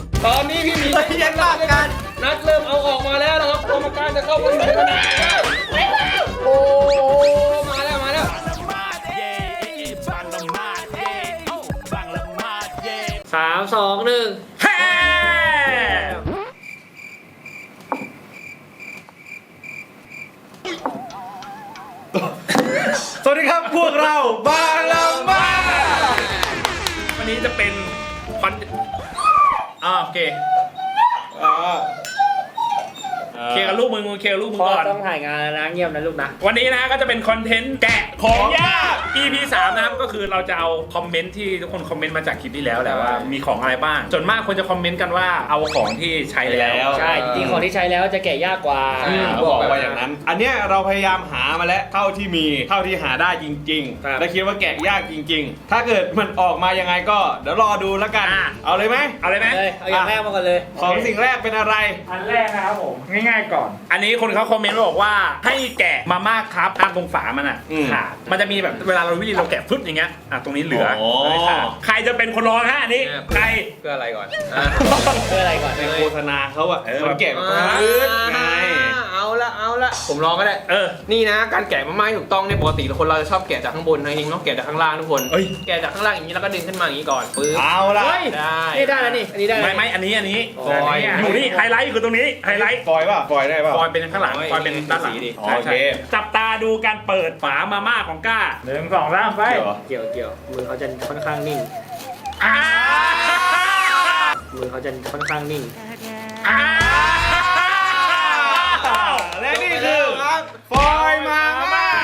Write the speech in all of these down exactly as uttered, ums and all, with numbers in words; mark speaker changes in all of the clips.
Speaker 1: ตอนนี้พี่หมียังลากกันนัดเริ่มเอาออกมาแล้วนะครับกรรมการจะเข้าไปดูแล้วโอ้มาแล้วมาแล้ว
Speaker 2: สามสองหนึ่งแฮ่
Speaker 3: สวัสดีครับพวกเราบางละมา
Speaker 4: วันนี้จะเป็นคอนอ่าโอเคเคลียร์กับลูกมึงมึงเคลียร์กับลูกมึงก่อน
Speaker 2: ต้องถ่ายงานนะเงียบนะลูกนะ
Speaker 4: วันนี้นะก็จะเป็นคอนเทนต์แกะของยาก อี พี สามนะครับก็คือเราจะเอาคอมเมนต์ที่ทุกคนคอมเมนต์มาจากคลิปที่แล้วแหละว่ามีของอะไรบ้างส่วนมากคนจะคอมเมนต์กันว่าเอาของที่ใช้แล้ว
Speaker 2: ใช่จริงของที่ใช้แล้วจะแกะยากกว่า
Speaker 3: บอกว่าอย่างนั้นอันเนี้ยเราพยายามหามาแล้วเท่าที่มีเท่าที่หาได้จริงๆและคิดว่าแกะยากจริงๆถ้าเกิดมันออกมายังไงก็เดี๋ยวรอดูแล้วกันเอาเลยไหม
Speaker 4: เอาเลยไหม
Speaker 2: เอาอย่างแรกมาก่อนเลย
Speaker 3: ของสิ่งแรกเป็นอะไร
Speaker 4: อันแรกนะครับผมง่ายๆก่อนอันนี้คนเขาคอมเมนต์บอกว่าให้แกะมาม่าครับตามตรงฝามันอ่ะขาดมันจะมีแบบเวลาเราวิธีเราแกะฟึ๊บอย่างเงี้ยอ่ะตรงนี้เหลือใครจะเป็นคนร้องฮะอันนี้ใคร
Speaker 1: เพื่ออะไรก่อน
Speaker 2: เพื่ออะไรก่อน
Speaker 3: ในโฆษณาเขาอ่ะมันแกะมาไง
Speaker 1: เอาละเอาละผมลองก็ได้
Speaker 4: เออ
Speaker 1: นี่นะการแกะมาม่าถูกต้องเนี่ยปกติคนเราจะชอบแกะจากข้างบนนะจริงต้องแกะจากข้างล่างทุกคนแกะจากข้างล่างอย่างนี้แล้วก็ดึงขึ้นมาอย่างนี้ก่อนปึ๊บ
Speaker 3: เอาละ
Speaker 1: ได้
Speaker 2: นี่ได้แล้วนี่อันนี้ได้
Speaker 4: ไม่ไม่อันนี้อันนี้ฟอยอยู่นี่ไฮไลท์คือตรงนี้ไฮไลท์
Speaker 3: ฟอยป่ะฟอยได้ป่ะ
Speaker 4: ฟอยเป็นข้างหลังฟอยเป็นด้านหลัง
Speaker 3: โอเค
Speaker 4: จับตาดูการเปิดฝามาม่าของก้าหนึ่งสองสามไป
Speaker 2: เกี่ยวเกี่ยวมือเขาจะค่อนข้างนิ่งมือเขาจะค่อนข้างนิ่ง
Speaker 3: และนี่คือฟอยมาม่า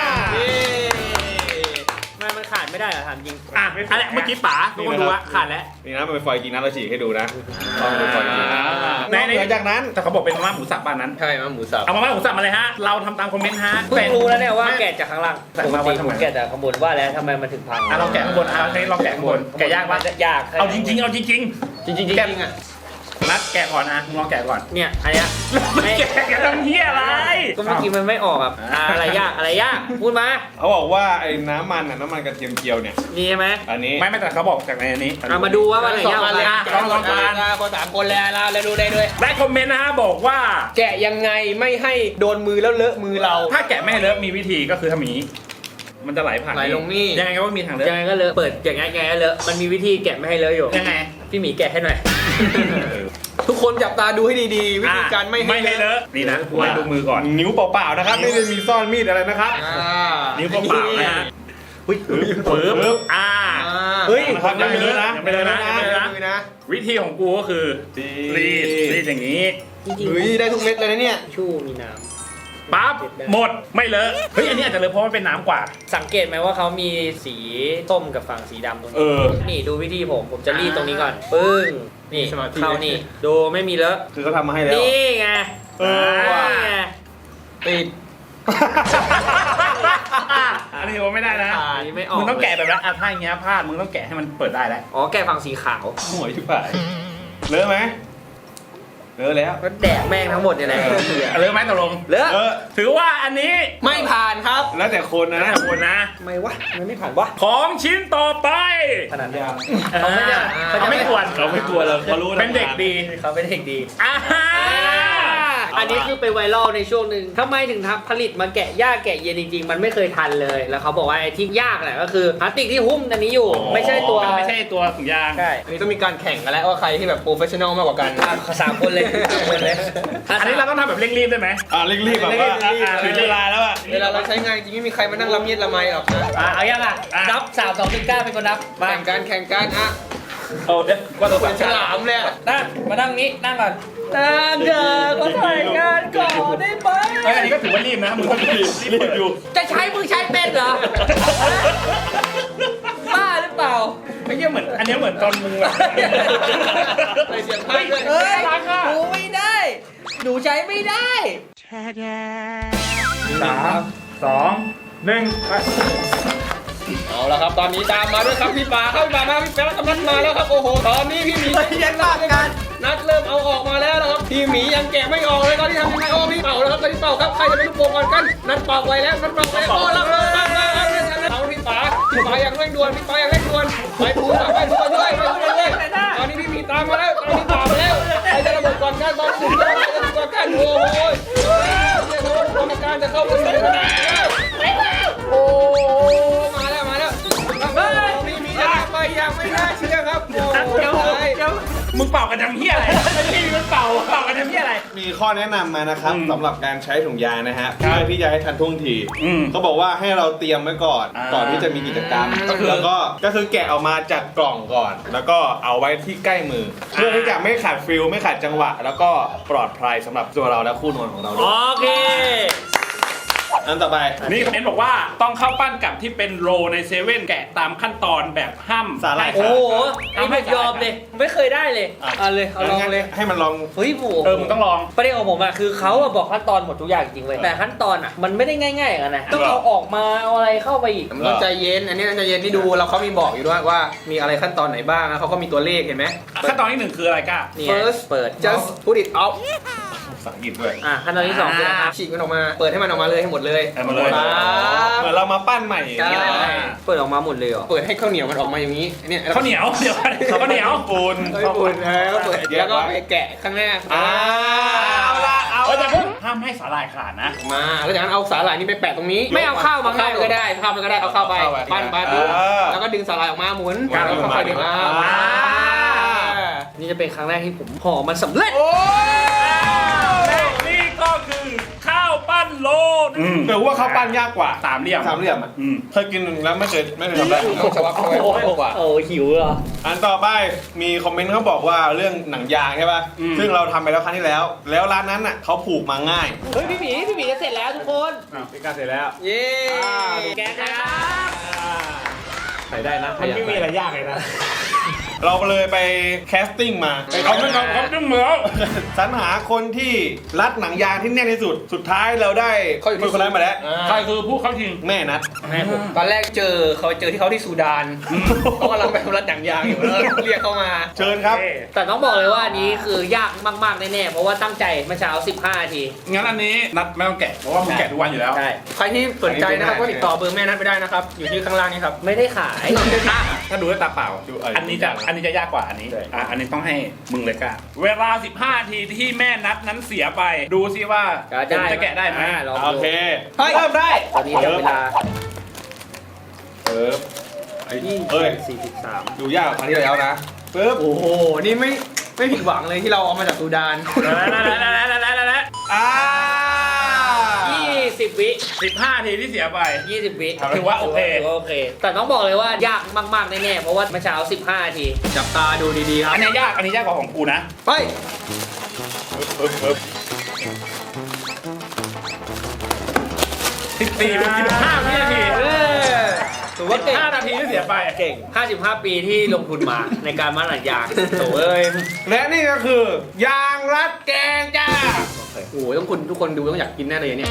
Speaker 2: มันขาดไม่ได้เหรอถามจริง
Speaker 4: อ่ะอันนี้เมื่อกี้ป๋าทุกคนดูว่าขาดแล้ว
Speaker 3: นี่นะมันเป็นฟอยจริงนะเราฉีกให้ดูนะต้องเป็นฟอยจริงในหลังจากนั้น
Speaker 4: แต่เขาบอกเป็นมาม่าหมูสับบ้านนั้น
Speaker 1: ใช่มาหมูสับ
Speaker 4: เอามาม่าหมูสับมาเลยฮะเราทำตามคอมเมนต์ฮะ
Speaker 2: เพิ่งรู้แล้วเนี่ยว่าแกะจากข้างล่างปกติผมแกะจากข้างบนว่าแล้วทำไมมันถึงพัง
Speaker 4: อ่ะเราแกะข้างบนอ่ะใช้เราแกะข้างบนแกะยากปะ
Speaker 2: ยาก
Speaker 4: เอาจริงๆเอาจริงๆ
Speaker 1: จริงจริงจริงอ่ะ
Speaker 4: นัดแกะก่อนนะมึงลองแกะก่อน
Speaker 2: เนี่ยอันเนี้ย
Speaker 4: ไม่แกะแกะทำเหี้ยอะไร
Speaker 2: ก็เมื่อกี้มันไม่ออกแบบอะไรยากอะไรยากพูดมา
Speaker 3: เขาบอกว่าไอ้น้ำมันน่ะน้ำมันกระเทียมเจียวเนี่ย
Speaker 2: นี่ใช่ไหม
Speaker 3: อันนี้
Speaker 4: ไม่ไม่แต่เขาบอกจากในอันนี้
Speaker 2: เรามาดูว่ามันไหนยากกัน
Speaker 1: ลองลองกันคนสามคนแล้วเราดูได้ด้วย
Speaker 4: ได้คอมเมนต์นะฮะบอกว่า
Speaker 1: แกะยังไงไม่ให้โดนมือแล้วเลอะมือเรา
Speaker 4: ถ้าแกะไม่ให้เลอะมีวิธีก็คือทำอย่างนี้มันจะไหลผ่าน
Speaker 1: ไหลลงนี่
Speaker 4: ยังไงก็มีทางเลอะ
Speaker 2: ยังไงก็เลอะเปิดอย่างไงยังไงก็เลอะมันมีวิธีแกะไม่ให้เลอะอยู่
Speaker 4: ยังไง
Speaker 2: พี่หมีแกะให้หน่อย
Speaker 1: ทุกคนจับตาดูให้ดีๆวิธีการไม่
Speaker 4: ให้เลอะนี่นะไว้ดูมือก่อน
Speaker 3: นิ้วเปล่าๆนะครับไม่ได้มีซ่อนมีดอะไรนะครับ
Speaker 4: นิ้วเปล่าๆนะฮะปึ๊บปึ๊บอ่า
Speaker 3: เฮ้ยทำยังไม่เลอะนะ
Speaker 4: ไม่เลอะนะวิธีของกูก็คือรีดรีดอย่างนี้
Speaker 1: เฮ้ยได้ทุกเม็ดเลยนะเนี่ย
Speaker 2: ชู่มีน้ำ
Speaker 4: ปั๊บหมดไม่เลอะเฮ้ยอันนี้อาจจะเลอะเพราะมันเป็นน้ำกว่า
Speaker 2: สังเกตไหมว่าเขามีสีส้มกับฝั่งสีดำตรงนี้นี่ดูวิธีผมผมจะรีดตรงนี้ก่อนปึ้งนี่เข้านี่ดูไม่มีเลอะ
Speaker 3: คือเขาทำมาให้แล้ว
Speaker 2: นี่ไง
Speaker 3: เออว่ะ
Speaker 1: ติด
Speaker 4: อันนี้ผมไม่ได้นะมึงต้องแกะแบบนั้นอ่ะถ้าอย่างเงี้ยพลาดมึงต้องแกะให้มันเปิดได้แล้ว
Speaker 2: อ๋อแกะฝั่งสีขาว
Speaker 3: หวยชิบหายเลอะไหมเลอะแล้ว
Speaker 2: ก็แดกแม่งทั้งหมดเนี่ยแหละ
Speaker 4: เลอะไหมตกลง
Speaker 2: เลอะ
Speaker 4: ถือว่าอันนี้
Speaker 1: ไม่ผ่านครับ
Speaker 3: แล้วแต่คนนะ
Speaker 4: แล้วแต่คนนะ
Speaker 2: ไม่วะมันไม่ผ่านวะ
Speaker 4: ของชิ้นต่อไป
Speaker 2: ขนาดนี้
Speaker 4: เขาไม่เขาไม่ควร
Speaker 3: เขาไม่ควรเราเขารู้
Speaker 4: เป็นเด็กดี
Speaker 2: เขาเป็นเด็กดีอันนี้คือไปไวรัลในช่วงหนึ่งทำไมถึงทำผลิตมาแกะยากแกะเย็นจริงๆมันไม่เคยทันเลยแล้วเขาบอกว่าไอ้ที่ยากแหละก็คือพลาสติกที่หุ้มอันนี้อยู่ไม่ใช่ตัว
Speaker 4: ไม่ใช่ตัวถุงยาง
Speaker 1: ใช่อันนี้ต้องมีการแข่งกันแล้วว่าใครที่แบบโปรเฟชชั่นอลมากกว่ากัน
Speaker 2: สามคนเลย
Speaker 4: อันนี้เราต้องทำแบบเร่งรีบได้ไหม
Speaker 3: อ่าเร่งรีบแบบว่าถึงเวลาแล้วอ่ะ
Speaker 1: เวลาเราใช้งานจริงไม่มีใครมานั่งละเมียดละไมหรอกนะ
Speaker 2: เอาอย่างอ่ะนับสามสองหนึ่งเก้าเป็นคนนับ
Speaker 1: แข่งกันแข่งกันอ่ะ
Speaker 4: เอาเด็ก
Speaker 1: ว่าตัวเป็นฉลามเลย
Speaker 2: นั่งมานั่งนี้นั่งก่อนนั่งเกิดก็ถ่ายงานก่อนได้ไหม
Speaker 4: อันนี้ก็ถือว่ารีบนะมึงต้องรีบรีบอยู่
Speaker 2: จะใช้มึงใช้เป็นเหรอบ้าหรือเปล่า
Speaker 4: ไม่ใช่เหมือนอันนี้เหมือนตอนมึงอะ
Speaker 1: ใส่เสียงไพ่ด้วย
Speaker 2: เฮ้ยหนูไม่ได้หนูใช้ไม่ได้
Speaker 4: สามสองหนึ่งไป
Speaker 1: เอาละครับตอนนี้ตามมาด้วยครับพี่ป่าเข้าพี่ป่ามาพี่แป๊ะกำลังมาแล้วครับโอ้โหตอนนี้พี่หมี
Speaker 2: ยังลากกัน
Speaker 1: นัดเริ่มเอาออกมาแล้วนะครับพี่หมียังแกะไม่ออกเลยตอนนี้ทำยังไงโอ้พี่เป่าแล้วครับตอนนี้เป่าครับใครจะเป็นลูกโป่งก่อนกันนัดเป่าไว้แล้วนัดเป่าไว้โอ้แล้วเลยเอาพี่ป่าพี่ป่าอย่างเร่งด่วนพี่ป่าอย่างเร่งด่วนไปพูดไปพูดด้วยไปพูดด้วยตอนนี้พี่หมีตามมาแล้วตอนนี้ป่ามาแล้ว
Speaker 4: เป่ากันทำเหี้ยอะไรไม่มีมันเป่าเป่ากันทำเหี้ยอะไร
Speaker 3: มีข้อแนะนำมานะครับ
Speaker 4: อืม
Speaker 3: สำหรับการใช้ถุงยางนะฮะ
Speaker 4: ครับ
Speaker 3: เพื่อที่จะให้ทันท่วงที
Speaker 4: อืม
Speaker 3: เขาบอกว่าให้เราเตรียมไว้ก่อน
Speaker 4: อ่า
Speaker 3: ก่อนที่จะมีกิจกรรม
Speaker 4: ก็คือ
Speaker 3: แล้วก็ก็คือแกะออกมาจากกล่องก่อน แล้วก็เอาไว้ที่ใกล้มือ เพื่อที่จะไม่ขาดฟิลไม่ขาดจังหวะ แล้วก็ปลอดภัยสำหรับตัวเราและคู่นวลของเราด้วย
Speaker 2: โอเค
Speaker 3: อันต่อไป
Speaker 4: นี่คอมเมนต์บอกว่าต้องเข้าปั้นกับที่เป็นโรในเซเว่นแกะตามขั้นตอนแบบห้าม
Speaker 3: สาหร่าย
Speaker 2: โอ้โหไอ้ผมยอมเลย ไม่เคยได้เลย เอาเลย เอาลองเลย
Speaker 3: ให้มันลอง
Speaker 2: เฮ้ยโห
Speaker 4: เออมึงต้องลอง
Speaker 2: ประเด็นของผมอะคือเขาอะบอกขั้นตอนหมดทุกอย่างจริงเลยแต่ขั้นตอนอะมันไม่ได้ง่ายๆอย่างนั้นนะต้องเอาออกมาเอาอะไรเข้าไปอีก
Speaker 1: มันต้องใจเย็น อันนี้ต้องใจเย็นที่ดูเราเขามีบอกอยู่ด้วยว่ามีอะไรขั้นตอนไหนบ้างนะเขาก็มีตัวเลขเห็นไหม
Speaker 4: ขั้นตอนที่หนึ่งคืออะไรก้า
Speaker 2: นี่
Speaker 1: First
Speaker 2: เปิด
Speaker 1: just put it out
Speaker 3: ภาษาอังกฤษด้วย
Speaker 2: อ่ะขั้นตอนที่สองคืออะไรครับ
Speaker 1: ฉีกมันออกมา เปิดให้มันออกมาเลยให้หมดเลย
Speaker 4: เอามาเลย
Speaker 1: ปั๊บ
Speaker 3: เหมือนเรามาปั้นใหม่
Speaker 1: ใช่
Speaker 2: เปิดออกมาหมดเลยเหรอ
Speaker 1: เปิดให้ข้าวเหนียวมันออกมาอย่างนี้เนี่ย
Speaker 4: ข้าวเหนียวเดี๋ยวก่อนข้าวเหนียว
Speaker 3: ปูน
Speaker 1: เฮ้ยปุ่นแล้วเปิดแล้วก็ไปแกะข้างหน้า
Speaker 3: อ่าเอาละเอา
Speaker 4: เอาแต่
Speaker 3: ละ
Speaker 4: เพิ่งห้ามให้สาหร่ายขาดนะ
Speaker 1: มาแล้วจากนั้นเอาสาหร่ายนี่ไปแปะตรงนี้
Speaker 2: ไม่เอาข้าวมา
Speaker 1: ข้าวมันก็ได้ข้าวมันก็ได้เอาเข้าไปปั้นปั้น
Speaker 3: เออ
Speaker 1: แล้วก็ดึงสาหร่ายออกมาหมุน
Speaker 3: วาง
Speaker 1: แล้วก็ค่อยๆดึง
Speaker 3: มา
Speaker 1: อ่า
Speaker 2: นี่จะเป็นครั้งแรกที่ผมห่อมันสำเร็จ
Speaker 3: โอ้
Speaker 4: และนี่ก็คือข้าวปั้นโลอืม
Speaker 3: แต่ว่าเขาปั้นยากกว่า
Speaker 4: สามเหลี่ยม
Speaker 3: สามเหลี่ยมอ่ะ
Speaker 4: อืม
Speaker 3: เคยกินแล้วไม่เคยไม่เคยทำได้
Speaker 1: ต้องสวัสดิ์เข้าไปมากกว่า
Speaker 2: โอ้หิวเหรอ
Speaker 3: อันต่อไปมีคอมเมนต์เขาบอกว่าเรื่องหนังยางใช่ป่ะ
Speaker 4: อืม
Speaker 3: ซึ่งเราทำไปแล้วครั้งที่แล้ว แล้วร้านนั้นอ่ะเขาผูกมาง่าย
Speaker 2: เฮ้ยพี่หมีพี่หมีจะเสร็จแล้วทุกคน
Speaker 3: เป็นการเสร็จแล้ว
Speaker 1: เย้
Speaker 2: แกะนะครับ
Speaker 3: ใส่ได้นะ
Speaker 4: มันไม่มีอะไรยากเลยนะ
Speaker 3: เราเลยไปแคสติ้งมา
Speaker 4: เขาไม่เขาเขาดึงเหมือ
Speaker 3: สรรหาคนที่รัดหนังยางที่แน่นที่สุด สุดท้ายเราได้คนคนนั้นมาแล้ว
Speaker 4: ใครคือผู้เข้าชิง
Speaker 3: แม่นัด
Speaker 1: แม่ผมตอนแรกเจอเขาเจอที่เขาที่ซูดานเขากำลังแบบรัดหนังยางอยู่แล้วเรียกเขามา
Speaker 3: เชิญครับ
Speaker 2: แต่ต้องบอกเลยว่าอันนี้คือยากมากๆแน่ๆเพราะว่าตั้งใจเมื่อเช้าสิบห้านาที
Speaker 4: งั้นอันนี้นัดไม่ต้องแกะเพราะว่ามึงแกะทุกวันอยู่แล้ว
Speaker 2: ใช่
Speaker 1: ใครที่สนใจนะครับก็ติดต่อเบอร์แม่นัดไปได้นะครับ อยู่ที่ข้างล่างนี้ครับ
Speaker 2: ไม่ได้ขาย
Speaker 4: ถ้าดูด้วยตาเปล่า
Speaker 3: ดูเอออั
Speaker 4: อันนี้จะอันนี้จะยากกว่าอันนี้อ่ะอันนี้ต้องให้มึงเลยก้าเวลาสิบห้านาทีที่แม่นัดนั้นเสียไป ดูซิว่า
Speaker 2: จะได้
Speaker 4: ผมจะแกะได้ไหม
Speaker 2: อ่าลอง
Speaker 3: โอ
Speaker 2: ดู
Speaker 3: เค
Speaker 1: เฮ้ย
Speaker 3: เริ่มได้
Speaker 2: ตอนนี้จับเวลา
Speaker 3: เออไอ้
Speaker 2: ยี่
Speaker 3: เอ้ย
Speaker 2: สี่สิบสาม
Speaker 3: ดูยากกว่าครั้งที่แล้วนะปึ๊บ
Speaker 1: โอ้โห นี่ไม่ไม่ผิดหวังเลยที่เราเอามาจากซูดาน
Speaker 4: แล้วแล้วแล้วแล้วแล้วแล้ว
Speaker 3: อ่า
Speaker 2: ยี่สิบวิ
Speaker 4: สิบห้านาทีที่เสียไป
Speaker 2: ยี่สิบวิ
Speaker 4: ถือว่าโอเค
Speaker 2: ถือว่าโอเค แต่ต้องบอกเลยว่ายากมากๆแน่ๆเพราะว่าเมื่อเช้าสิบห้านาที
Speaker 1: จับตาดูดีๆครับ
Speaker 4: อันนี้ยากอันนี้ยากกว่าของกูนะ
Speaker 1: ไป
Speaker 3: ปึ๊บปึ๊บ
Speaker 4: สิบสี่เป็นสิบห้าวินาที
Speaker 2: เออถือว่าเก่ง
Speaker 4: ห้านาทีที่เสียไป
Speaker 2: เก่งห้าสิบห้าปีที่ลงทุนมา ในการมัดหนังยางโถ่เอ้ย
Speaker 3: และนี่ก็คือยางรัดแกงจ้า
Speaker 1: โอ้โหต้องคุณทุกคนดูต้องอยากกินแน่เลยเนี่ย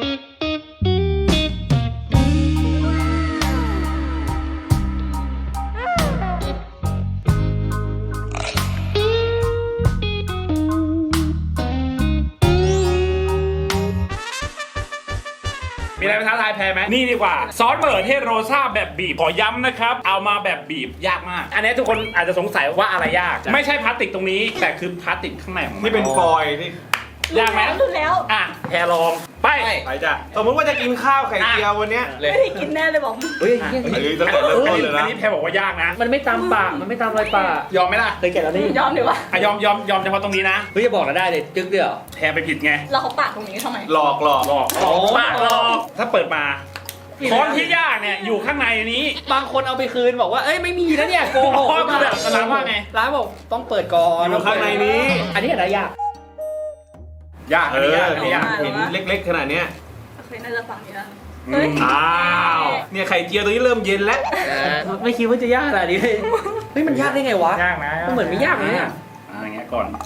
Speaker 4: มีอะไรไปท้าทายแพ้ไหมนี่ดีกว่าซอสมะเขือเทศโรซ่าแบบบีบขอย้ำนะครับ เอามาแบบบีบยากมาก อันนี้ทุกคนอาจจะสงสัยว่าอะไรยาก ไม่ใช่พลาสติกตรงนี้ แต่คือพลาสติกข้างในของมัน
Speaker 3: นี่เป็นฟอยล์ที่
Speaker 4: ยากไหม
Speaker 5: รู้แล้ว
Speaker 4: อ่ะแพรลองไป
Speaker 3: ไปจ้ะสมมติว่าจะกินข้าวไข่เจียววันเนี้ย
Speaker 1: เลย
Speaker 5: ไม่ได้กินแน่เลยบอก
Speaker 2: เฮ้ย
Speaker 3: เฮ้ยตั้งแต่เริ่ม
Speaker 4: อัน
Speaker 3: ต้น
Speaker 4: นี้
Speaker 3: เลย
Speaker 4: อัน
Speaker 3: นะ
Speaker 4: นี้แพรบอกว่ายากนะ
Speaker 2: มันไม่ตามปากมันไม่ตามรอยปาก
Speaker 4: ยอมไหมล่ะ
Speaker 2: เคยแกะแล้วนี่
Speaker 5: ยอมดีว่า
Speaker 4: อ่ะยอมยอมยอมเฉพาะตรงนี้นะ
Speaker 2: เฮ้ยจะบอกเราได้เลยจึ๊กเดียว
Speaker 4: แพรไปผิดไง
Speaker 5: เราเขาปากตรงนี้ทำไม
Speaker 3: หลอกหลอก
Speaker 4: หลอกหลอกปากหลอกถ้าเปิดมาค้อนที่ยากเนี่ยอยู่ข้างในนี้
Speaker 2: บางคนเอาไปคืนบอกว่าเอ้ยไม่มีนะเนี่ยโกหก
Speaker 4: อ๋อคือแบบร้านว่าไง
Speaker 2: ร้านบอกต้องเปิดก่อน
Speaker 3: อยู่ข้างในนี้
Speaker 2: อันนี้อะไรยาก
Speaker 4: ยาก
Speaker 3: เอ
Speaker 4: อันนี้ยาก
Speaker 3: อ
Speaker 4: อันนี้ยาก
Speaker 3: เห็นเล็กๆขนาดเนี้ย
Speaker 5: เคยน่าจะฝั่งนี้นะ
Speaker 4: อืม
Speaker 5: เฮ้ย
Speaker 3: อ้าวเนี่ยไข่เจียวตัวนี้เริ่มเย็นแล้ว
Speaker 2: ไม่คิดว่าจะยากขนาดนี้เลยเฮ้ยมันยากได้ไงวะ
Speaker 4: ยากนะ
Speaker 2: มันเหมือนไม่ยากเลยเนี่ย
Speaker 4: อ่าอย่างเงี้ยก่อน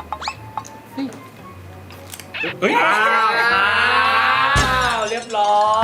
Speaker 4: เฮ้ย
Speaker 3: อ้าว
Speaker 2: อ้าวเรียบร้อย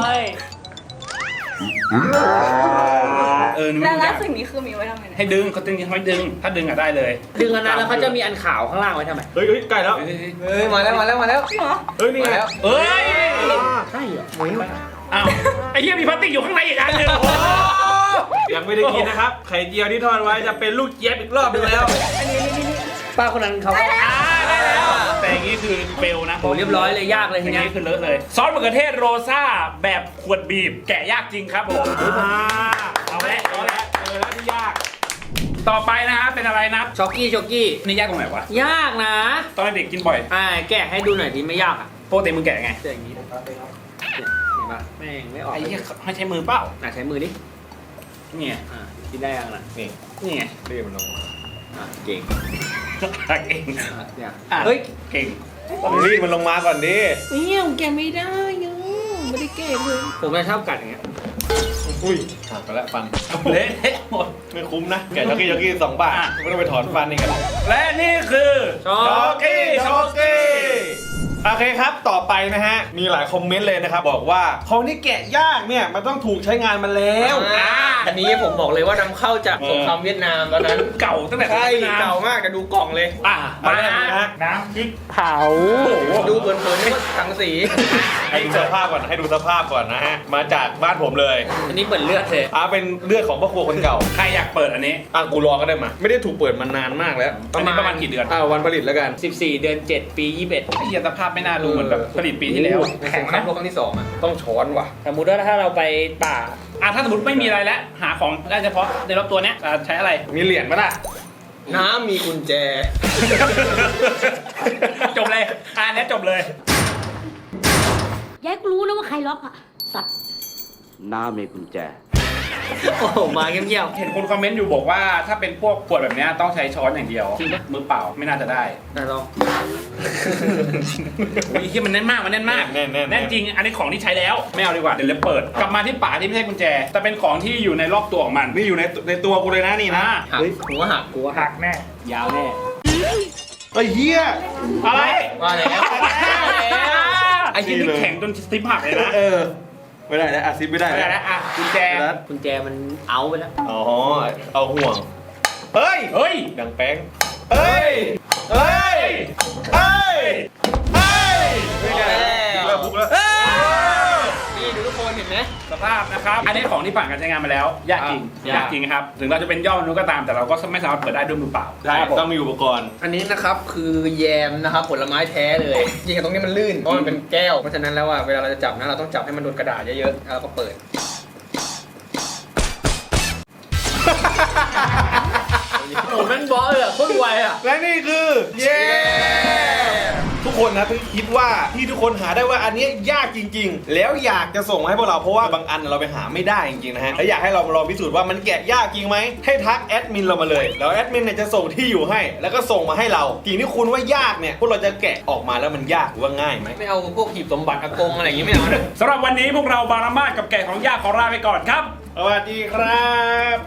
Speaker 4: เออนี่
Speaker 5: แล้ว
Speaker 4: มัน
Speaker 5: แล้ว
Speaker 4: ยาก
Speaker 5: สิ่งนี้คือมีไว้ทำไมเนี่ย
Speaker 4: ให้ดึงเขาดึงให้ดึง ถ้าดึงอ่ะได้เลย
Speaker 2: ดึงอันนั้นแล้วเขาจะมีอันขาวข้างล่างไว้ทำไม
Speaker 3: เฮ้ยเฮ้ยใกล้แล้ว
Speaker 4: เฮ้ย
Speaker 1: เฮ้ยมาแล้วมาแล้วมาแล้ว
Speaker 5: จริงเหรอ
Speaker 3: เฮ้ยนี่ไง
Speaker 1: มาแล้ว
Speaker 4: เอ้ย
Speaker 2: ใช่เหรอ
Speaker 4: อ้าวไอ้เหี้ยมีพลาสติกอยู่ข้างในอีกอันหนึง
Speaker 3: ยังไม่ได้กินนะครับ ไข่เจียวที่ทอดไว้จะเป็นลูกเจี๊ยบอีกรอบหนึงแล้ว
Speaker 5: อันนี้นี่นี่นี่
Speaker 2: ป้าคนนั้นเขา
Speaker 5: ได้แล้ว
Speaker 4: อ่าได้แล้ว แต่อย่างนี้คือเฟลนะ
Speaker 2: โหเรียบร้อยเลยยากเลย
Speaker 4: อ
Speaker 2: ที
Speaker 4: ย่าง
Speaker 2: เนี้ย
Speaker 4: นี้คือเลอะเลย ซอสมะเขือเทศโรซ่าแบบขวดบีบ แกะยากจริงครับผม
Speaker 3: อ่า
Speaker 4: เอาละเอาละ
Speaker 3: เจอแล้วที่ยาก
Speaker 4: ต่อไปนะฮะเป็นอะไรนะ
Speaker 2: ช็อกกี้ช็อกกี้
Speaker 4: นี่ยากตรงไหนวะ
Speaker 2: ยากนะ
Speaker 4: ตอนเด็กกินบ่อย
Speaker 2: อ่าแกะให้ดูหน่อยดิไม่ยากอ่ะ
Speaker 4: โปรตีนมึงแกะไง
Speaker 2: เจออย่างนี้เนี่ยเห็นปะแม่งไม่ออก
Speaker 4: ไอ้เหี้ยให้ใช้มือเปล่า
Speaker 2: อ่ะใช้มือดิ
Speaker 4: เนี่ย
Speaker 2: อ่ากินได้ยังล่ะ
Speaker 3: นี่
Speaker 4: นี่ไง
Speaker 3: เรียกมันลง
Speaker 2: อ่าเก่ง
Speaker 4: ตักเอง
Speaker 2: อ่ะเนี่ย
Speaker 4: อ่ะ
Speaker 2: เฮ้ย
Speaker 4: เก่ง
Speaker 3: ต้องรีบมันลงมาก่อนดิ
Speaker 2: เนี่ยผมแกะไม่ได้ยังไม่ได้เก่งเลยผมจะชอบกัดอย่างเงี้ย
Speaker 3: อุ้ยหักไปแล้วฟัน
Speaker 4: เละเทะหมด
Speaker 3: ไม่คุ้มนะ แกะช็อกกี้ช็อกกี้สองบาท
Speaker 4: อ่ะ
Speaker 3: ไม่ต้องไปถอนฟันนี่กัน
Speaker 4: และนี่คือ
Speaker 2: ช็อ
Speaker 3: ช็อก
Speaker 2: ก
Speaker 3: กี้ช็อกกี้โอเคครับต่อไปนะฮะ มีหลายคอมเมนต์เลยนะครับ บอกว่าของที่แกะยากเนี่ย มันต้องถูกใช้งานมาแล้ว
Speaker 1: อ่าอันนี้ผมบอกเลยว่านำเข้าจากสงครามเวียดนามตอนนั้น
Speaker 4: เก่าตั้งแต่
Speaker 1: ใช่
Speaker 4: สมัยนน
Speaker 1: เก่ามากแต่ดูกล่องเลย
Speaker 4: อ่ะ
Speaker 3: มา
Speaker 4: มา
Speaker 3: แรกเลยนะฮะ
Speaker 4: น้ำพริก
Speaker 2: เผา
Speaker 1: ดูเผินๆนึกว่าสังสี
Speaker 3: ให้ดูสภาพก่อนให้ดูสภาพก่อนนะฮะ มาจากบ้านผมเลย
Speaker 2: อันนี้เหมือนเลือดเลย
Speaker 3: อ่าเป็นเลือดของพ่อครัวคนเก่า
Speaker 4: ใครอยากเปิดอันนี้
Speaker 3: อ่ะกูรอก็ได้มา ไม่ได้ถูกเปิดมานานมากแล้ว
Speaker 4: อันนี้ประมาณกี่เดือน
Speaker 3: อ่าวันผลิตแล้วกัน
Speaker 2: สิบสี่เดือนเจ็ดปียี่สิบเอ็ด
Speaker 4: ไอ้เหี้ยสภาพไม่น่าดูเหมือนแบบผลิตปีที่แล้ว
Speaker 1: ในสงครามโลกครั้งที่สองอ่ะต้องช้อนว่ะ
Speaker 2: สมมติว่าถ้าเราไปป่า
Speaker 4: อ่ะถ้าสมมติไม่มีอะไรแล้ว หาของได้เฉพาะในรอบตัวเนี้ยอ่ะใช้อะไร
Speaker 3: มีเหรียญไหมล่ะ
Speaker 1: น้ำมีกุญแจ
Speaker 4: จบเลยอ่ะอันเนี้ยจบเลย
Speaker 6: ยายก็รู้นะว่าใครล็อกอะสัตว์
Speaker 7: น้ามีกุญแจ
Speaker 2: โอ้โหมาเงียบ
Speaker 4: เห็นคนคอมเมนต์อยู่บอกว่าถ้าเป็นพวกขวดแบบเนี้ยต้องใช้ช้อนอย่างเดียว
Speaker 2: จริงปะ
Speaker 4: มือเปล่าไม่น่าจะได้
Speaker 2: ๆแต่ลอง
Speaker 4: อุ้ยที่มันแน่นมากมันแน่นมาก
Speaker 3: แน่นแน่น
Speaker 4: แน่นจริงอันนี้ของที่ใช้แล้วไม่เอาดีกว่าเดี๋ยวเลยเปิด กลับมาที่ป่าที่ไม่ใช่กุญแจ แต่เป็นของที่อยู่ในรอบตัวของมัน
Speaker 3: นี่อยู่ในในตัวกูเลยนะนี่นะ
Speaker 4: อ่ะ
Speaker 1: หักหัวหัก
Speaker 2: กูว่าหักแน่ ยาวแน่
Speaker 3: ไอ้เหี้ย
Speaker 4: อะไร
Speaker 1: ว่าแล้ว
Speaker 4: ไอ้ที่นี่แข็งจนสติปหักเลยนะ
Speaker 3: เออ ไม่ได้แล้วอาซิบไม่ได้
Speaker 4: ไม่ได้
Speaker 3: แล้
Speaker 4: แล้ว วอ่ะกุญแจ
Speaker 3: แล้ว
Speaker 2: กุญแจมันเอาไปแล้ว
Speaker 3: อ๋อ เอาห่วง เฮ้ย
Speaker 4: เฮ้ย
Speaker 3: ดังแป้ง เฮ้ย เฮ้ย เฮ้ย เฮ้ยไม่ได้แล้วบุกแล้ว
Speaker 1: นี่ดูทุกคนเห็นไหม
Speaker 4: สภาพนะครับ อันนี้ของที่ผ่านการใช้งานมาแล้ว ยากจริง
Speaker 2: อ่ะ
Speaker 4: ยากจริงครับ ถึงเราจะเป็นยอดมนุษย์ก็ตาม แต่เราก็ไม่สามารถเปิดได้ด้วยมือเปล่า
Speaker 3: ใช่ต้องมีอุปกรณ์
Speaker 1: อันนี้นะครับคือแยมนะครับผลไม้แท้เลยจริงๆตรงนี้มันลื่นเพราะมันเป็นแก้วเพราะฉะนั้นแล้วอ่ะเวลาเราจะจับนะเราต้องจับให้มันโดนกระดาษเยอะๆแล้วเราก็เปิด
Speaker 2: โอ้แม่งบอสเลยอ่ะโคตรไวอ่ะ
Speaker 3: และนี่คือ เย้ ทุกคนนะที่คิดว่าที่ทุกคนหาได้ว่าอันเนี้ยยากจริง ๆ แล้วอยากจะส่งมาให้พวกเราเพราะว่าบางอันเราไปหาไม่ได้จริงๆนะฮะแล้วอยากให้เรามาลองพิสูจน์ว่ามันแกะยากจริงไหมให้ทักแอดมินเรามาเลยแล้วแอดมินเนี่ยจะส่งที่อยู่ให้ แล้วก็ส่งมาให้เราสิ่งที่คุณว่ายากเนี่ยพวกเราจะแกะออกมาแล้วมันยากหรือว่าง่ายไหม
Speaker 1: ไม่เอาพวกหีบสมบัติอากงอะไรอย่างงี้ไม่เอานะ
Speaker 4: สำหรับวันนี้พวกเราบารามาสกับแกะของยากขอลาไปก่อนครับ
Speaker 3: สวัสดีครับ